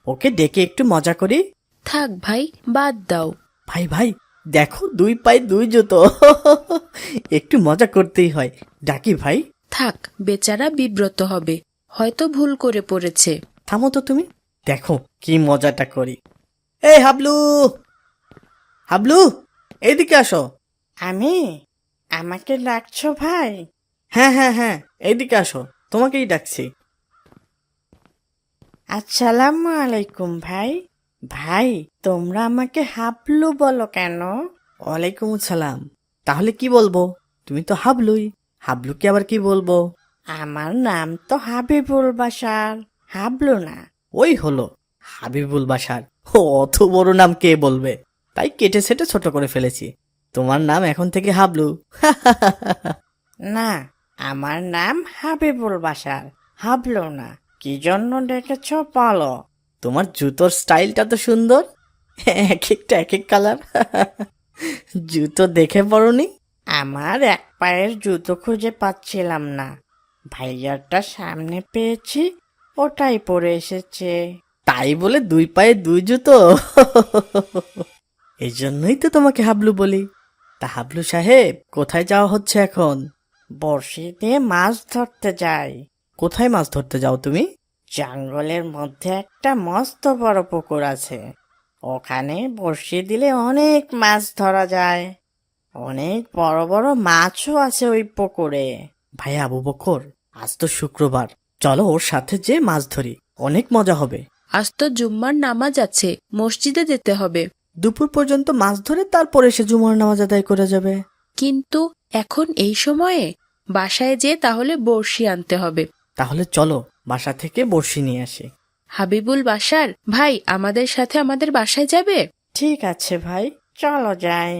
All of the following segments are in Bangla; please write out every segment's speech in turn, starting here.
ওকে ডেকে একটু মজা করি। থাক ভাই, বাদ দাও। ভাই ভাই, দেখো দুই পায়ে দুই জুতো। একটু মজা করতেই হয়, ডাকি ভাই। থাক, বেচারা বিব্রত হবে, হয়তো ভুল করে পড়েছে। থামো তো তুমি, দেখো কি মজাটা করি। এই হাবলু, হাবলু, এইদিকে আসো। আমি? আমাকে ডাকছো ভাই? হ্যাঁ হ্যাঁ হ্যাঁ, এইদিকে আসো, তোমাকেই ডাকছি। আসসালামু আলাইকুম ভাই। ভাই, তোমরা আমাকে হাবলু বলো কেন? ওয়ালাইকুম আসসালাম। তাহলে কি বলবো? তুমি তো হাবলুই, হাবলুকে আবার কি বলবো? আমার নাম তো হাবিবুল বাশার, হাবলু না। ওই হলো হাবিবুল বাশার। ও, অত বড় নাম কে বলবে, তাই কেটে সেটে ছোট করে ফেলেছি। তোমার নাম এখন থেকে হাবলু। না, আমার নাম হাবিবুল বাশার, হাবলু না। কি জন্য ডেকেছ বলো? তোমার জুতোর স্টাইলটা তো সুন্দর, এক একটা এক এক কালার। জুতো দেখে পড়নি? আমার এক পায়ের জুতো খুঁজে পাচ্ছিলাম না, ভাইয়ারটা সামনে পেয়েছি, ওটাই পরে এসেছে। তাই বলে দুই পায়ে দুই জুতো? এই জন্যই তো তোমাকে হাবলু বলি। তা হাবলু সাহেব, কোথায় যাওয়া হচ্ছে এখন? বড়শি দিয়ে মাছ ধরতে যাই। কোথায় মাছ ধরতে যাও তুমি? জঙ্গলের মধ্যে একটা মস্ত বড় পুকুর আছে, ওখানে বড়শি দিলে অনেক মাছ ধরা যায়। অনেক বড় বড় মাছও আছে ওই পুকুরে। ভাই আবু বকর, আজ তো শুক্রবার, চলো ওর সাথে যে মাছ ধরি, অনেক মজা হবে। আজ তো জুম্মার নামাজ আছে, মসজিদে যেতে হবে। দুপুর পর্যন্ত মাছ ধরে তারপর এসে জুমার নামাজ আদায় করে যাবে। কিন্তু এখন এই সময়ে বাসায় যেয়ে তাহলে বড়শি আনতে হবে। তাহলে চলো বাসা থেকে বড়শি নিয়ে আসি। হাবিবুল বাশার ভাই আমাদের সাথে আমাদের বাসায় যাবে? ঠিক আছে ভাই, চলো যাই।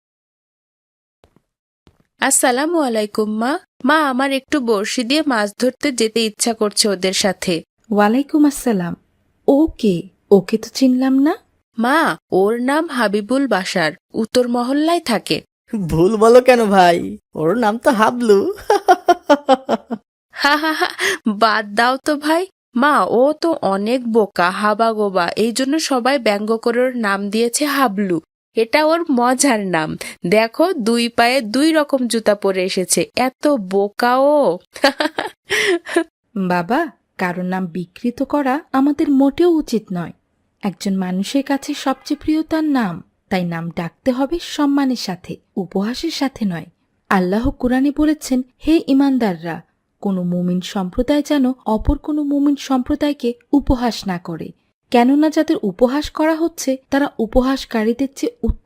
আসসালামু আলাইকুম মা। মা, আমার একটু বড়শি দিয়ে মাছ ধরতে যেতে ইচ্ছা করছে ওদের সাথে। ওয়ালাইকুম আসসালাম। ওকে, ওকে তো চিনলাম না। মা, ওর নাম হাবিবুল বাশার, উত্তর মহল্লায় থাকে। ভুল বলো কেন ভাই, ওর নাম তো হাবলু। হা হা হা, বাদ দাও তো ভাই। মা, ও তো অনেক বোকা, হাবাগোবা, এই জন্য সবাই ব্যঙ্গ করে ওর নাম দিয়েছে হাবলু। এটা ওর মজার নাম। দেখো, দুই পায়ে দুই রকম জুতা পরে এসেছে, এত বোকা ও। বাবা, কারোর নাম বিকৃত করা আমাদের মোটেও উচিত নয়। একজন মানুষের কাছে সবচেয়ে প্রিয় তার নাম, তাই নাম ডাকতে হবে সম্মানের সাথে, উপহাসের সাথে নয়। আল্লাহ কুরআনে বলেছেন, হে ইমানদাররা, কোনো মুমিন সম্প্রদায় যেন অপর কোনো মুমিন সম্প্রদায়কে উপহাস না করে, কেননা যাদের উপহাস করা হচ্ছে তারা উপহাসকারীদের চেয়ে